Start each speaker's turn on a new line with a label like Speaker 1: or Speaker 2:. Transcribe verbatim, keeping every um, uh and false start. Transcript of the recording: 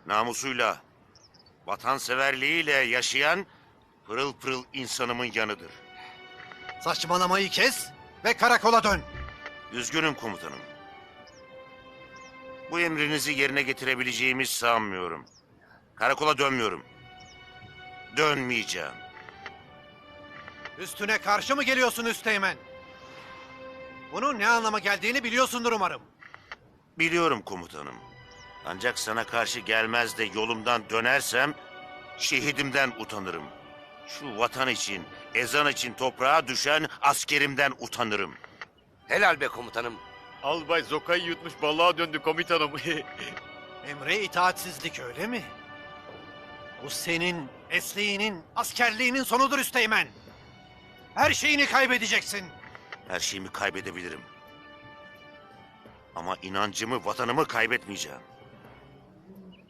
Speaker 1: namusuyla, vatanseverliğiyle yaşayan pırıl pırıl insanımın yanıdır.
Speaker 2: Saçmalamayı kes ve karakola dön.
Speaker 1: Üzgünüm komutanım. Bu emrinizi yerine getirebileceğimi sanmıyorum. Karakola dönmüyorum. Dönmeyeceğim.
Speaker 2: Üstüne karşı mı geliyorsun Üsteğmen? Bunun ne anlama geldiğini biliyorsundur umarım.
Speaker 1: Biliyorum komutanım. Ancak sana karşı gelmez de yolumdan dönersem şehidimden utanırım. Şu vatan için, ezan için toprağa düşen askerimden utanırım.
Speaker 3: Helal be komutanım.
Speaker 4: Albay Zoka'yı yutmuş balığa döndü komutanım.
Speaker 2: Emre itaatsizlik öyle mi? Bu senin mesleğinin, askerliğinin sonudur Üsteğmen. Her şeyini kaybedeceksin.
Speaker 1: Her şeyimi kaybedebilirim. Ama inancımı, vatanımı kaybetmeyeceğim.